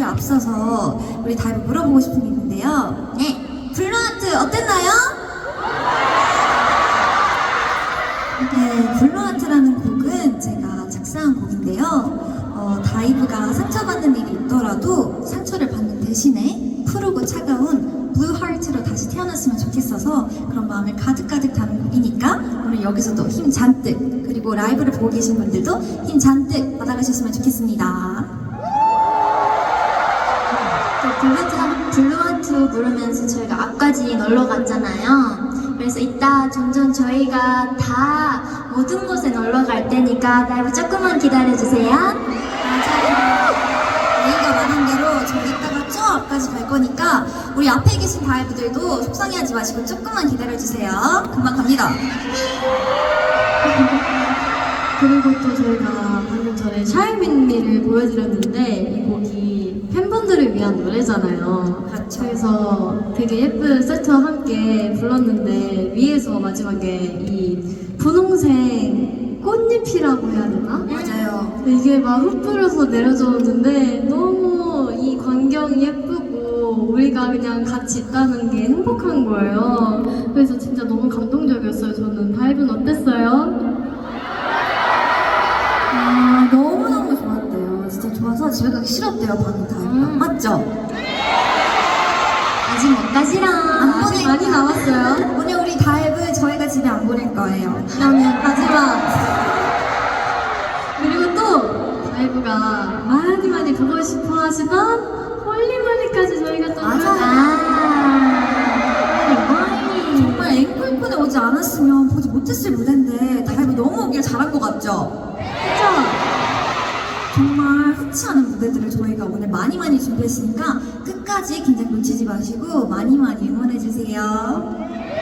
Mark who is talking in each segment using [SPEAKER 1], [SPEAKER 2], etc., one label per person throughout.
[SPEAKER 1] 앞서서 우리 다이브 물어보고 싶은 게 있는데요. 네, 블루하트 어땠나요? 네, 블루하트라는 곡은 제가 작사한 곡인데요. 다이브가 상처받는 일이 있더라도 상처를 받는 대신에 푸르고 차가운 블루하트로 다시 태어났으면 좋겠어서 그런 마음을 가득가득 담은 곡이니까 오늘 여기서도 힘 잔뜩, 그리고 라이브를 보고 계신 분들도 힘 잔뜩 받아가셨으면 좋겠습니다.
[SPEAKER 2] 블루하트 부르면서 저희가 앞까지 놀러 갔잖아요. 그래서 이따 점점 저희가 다 모든 곳에 놀러 갈 테니까 다이브 조금만 기다려주세요.
[SPEAKER 1] 맞아요. 메이가 말한 대로 저희 이따가 쭉 앞까지 갈 거니까 우리 앞에 계신 다이브들도 속상해하지 마시고 조금만 기다려주세요. 금방 갑니다.
[SPEAKER 3] 그리고 또 저희가 방금 전에 샤이민미를 보여드렸는데 이 곡이 팬분들을 위한 노래잖아요.
[SPEAKER 1] 그렇죠.
[SPEAKER 3] 그래서 되게 예쁜 세트와 함께 불렀는데 위에서 마지막에 이 분홍색 꽃잎이라고 해야 되나?
[SPEAKER 1] 맞아요.
[SPEAKER 3] 이게 막 흩뿌려서 내려졌는데 너무 이 광경이 예쁘고 우리가 그냥 같이 있다는 게 행복한 거예요. 그래서 진짜 너무 감동적이었어요. 저는 다이브는 어땠어요?
[SPEAKER 1] 아, 너무너무 좋았대요. 진짜 좋아서 집에 가기 싫었대요, 방금 다이브가. 맞죠?
[SPEAKER 2] 아직 못 가지라.
[SPEAKER 3] 아직 많이 남았어요.
[SPEAKER 1] 오늘 우리 다이브 저희가 집에 안 보낼 거예요.
[SPEAKER 3] 그러면 마지막. 그리고 또 다이브가 많이 보고 싶어 하시던 홀리몰리까지 저희가 또
[SPEAKER 1] 정말 앵콜콘에 오지 않았으면 보지 못했을 무대인데 다이브 너무 오길 잘한 것 같죠?
[SPEAKER 3] 그쵸?
[SPEAKER 1] 정말 흔치 않은 무대들을 저희가 오늘 많이 준비했으니까 끝까지 긴장 놓치지 마시고 많이 응원해주세요.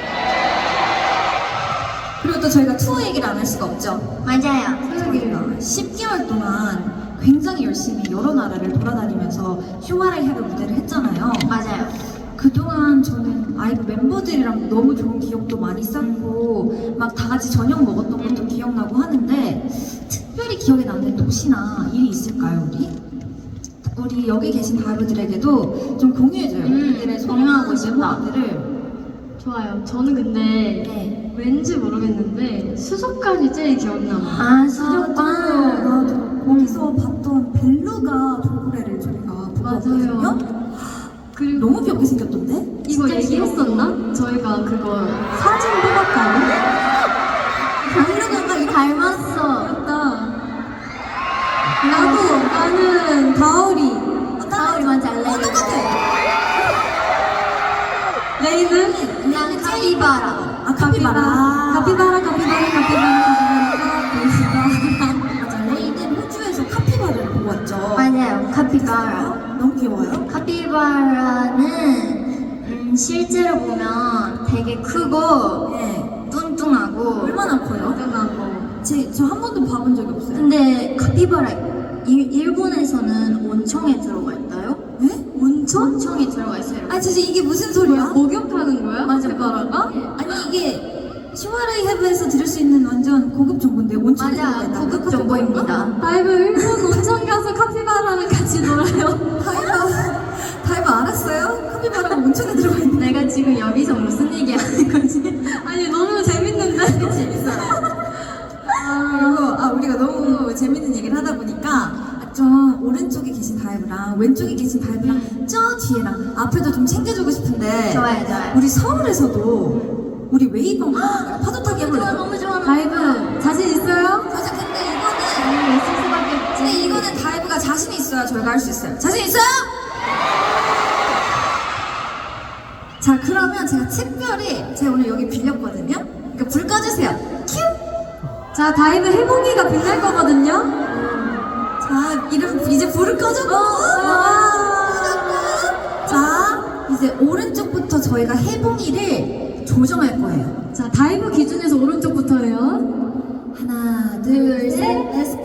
[SPEAKER 1] 그리고 또 저희가 투어 얘기를 안 할 수가 없죠.
[SPEAKER 2] 맞아요.
[SPEAKER 1] 저희가 10개월 동안 굉장히 열심히 여러 나라를 돌아다니면서 휴마라이 헤브 무대를 했잖아요.
[SPEAKER 2] 맞아요.
[SPEAKER 1] 그동안 저는 아이브 멤버들이랑 너무 좋은 기억도 많이 쌓고 막 다 같이 저녁 먹었던 것도 기억나고 하는데 특별히 기억에 남는 도시나 일이 있을까요, 우리? 우리 여기 계신 다이브들에게도 좀 공유해줘요. 우리들의
[SPEAKER 2] 공유하고 싶다.
[SPEAKER 1] 메모들을.
[SPEAKER 3] 좋아요. 저는 근데
[SPEAKER 1] 네.
[SPEAKER 3] 왠지 모르겠는데 수족관이 제일 기억나요.
[SPEAKER 2] 아, 수족관.
[SPEAKER 1] 나도 거기서 봤던 벨루가 돌고래를 저희가 보고 왔거든요.
[SPEAKER 3] 맞아요. 그리고
[SPEAKER 1] 너무 귀엽게 생겼던데?
[SPEAKER 3] 이거
[SPEAKER 2] 진짜
[SPEAKER 3] 얘기했었나? 저희가 그거 사진 뽑았다고?
[SPEAKER 1] 벨루가 이렇게
[SPEAKER 2] 닮았어.
[SPEAKER 3] 맞다. 나는 다오리.
[SPEAKER 2] 다오리 맞아, 레이.
[SPEAKER 1] 똑같아.
[SPEAKER 3] 레이는?
[SPEAKER 2] 난 카피바라.
[SPEAKER 1] 아, 카피바라.
[SPEAKER 3] 카피바라.
[SPEAKER 1] 맞아, 레이는 호주에서 카피바라를 보고 왔죠.
[SPEAKER 2] 맞아요, 카피바라.
[SPEAKER 1] 너무 귀여워요.
[SPEAKER 2] 카피바라는 실제로 보면 되게 크고
[SPEAKER 1] 네.
[SPEAKER 2] 뚱뚱하고
[SPEAKER 1] 얼마나 커요?
[SPEAKER 3] 끝나고.
[SPEAKER 1] 저 한 번도 봐본 적이 없어요.
[SPEAKER 2] 근데 카피바라 일본에서는 온천에 들어가 있다요?
[SPEAKER 1] 네? 온천?
[SPEAKER 2] 온천에 들어가 있어요.
[SPEAKER 1] 아, 진짜 이게 무슨 소리야?
[SPEAKER 3] 목욕하는 거야?
[SPEAKER 2] 맞아.
[SPEAKER 3] 카피바라가?
[SPEAKER 1] 아니, 이게 슈마라이 헤브에서 들을 수 있는 완전 고급 정보인데 온천에
[SPEAKER 2] 맞아,
[SPEAKER 1] 들어가 있다고요?
[SPEAKER 2] 고급 정보입니다.
[SPEAKER 3] 다이브 일본 온천 가서 카피바라랑 같이 놀아요.
[SPEAKER 1] 다이브 알았어요? 카피바라가 온천에 들어가 있는
[SPEAKER 2] 내가 지금 여기서 무슨 얘기 하는 거지?
[SPEAKER 3] 아니 너무 재밌는데?
[SPEAKER 1] 재밌어요. 그리고 우리가 너무 재밌는 얘기를 하다 보니까 좀 오른쪽에 계신 다이브랑 왼쪽에 계신 다이브랑 저 뒤에랑 앞에도 좀 챙겨주고 싶은데
[SPEAKER 2] 좋아요.
[SPEAKER 1] 우리 서울에서도 우리 웨이브 한번 파도 타기
[SPEAKER 2] 좋아,
[SPEAKER 1] 해볼래요?
[SPEAKER 2] 너무 좋아.
[SPEAKER 3] 다이브 자신 있어요?
[SPEAKER 1] 맞아, 근데
[SPEAKER 2] 있을 수밖에 없지.
[SPEAKER 1] 이거는 다이브가 자신이 있어야 저희가 할 수 있어요. 자신 있어요? 자, 그러면 제가 특별히 제가 오늘 여기 빌렸거든요. 그러니까 불 꺼주세요. 큐!
[SPEAKER 3] 자 다이브 해보기가 빛날 거거든요.
[SPEAKER 1] 자, 이제 불을 꺼주고. 자, 이제 오른쪽부터 저희가 해봉이를 조정할 거예요.
[SPEAKER 3] 자 다이브 기준에서 오른쪽부터예요.
[SPEAKER 1] 하나, 둘, 셋, 렛츠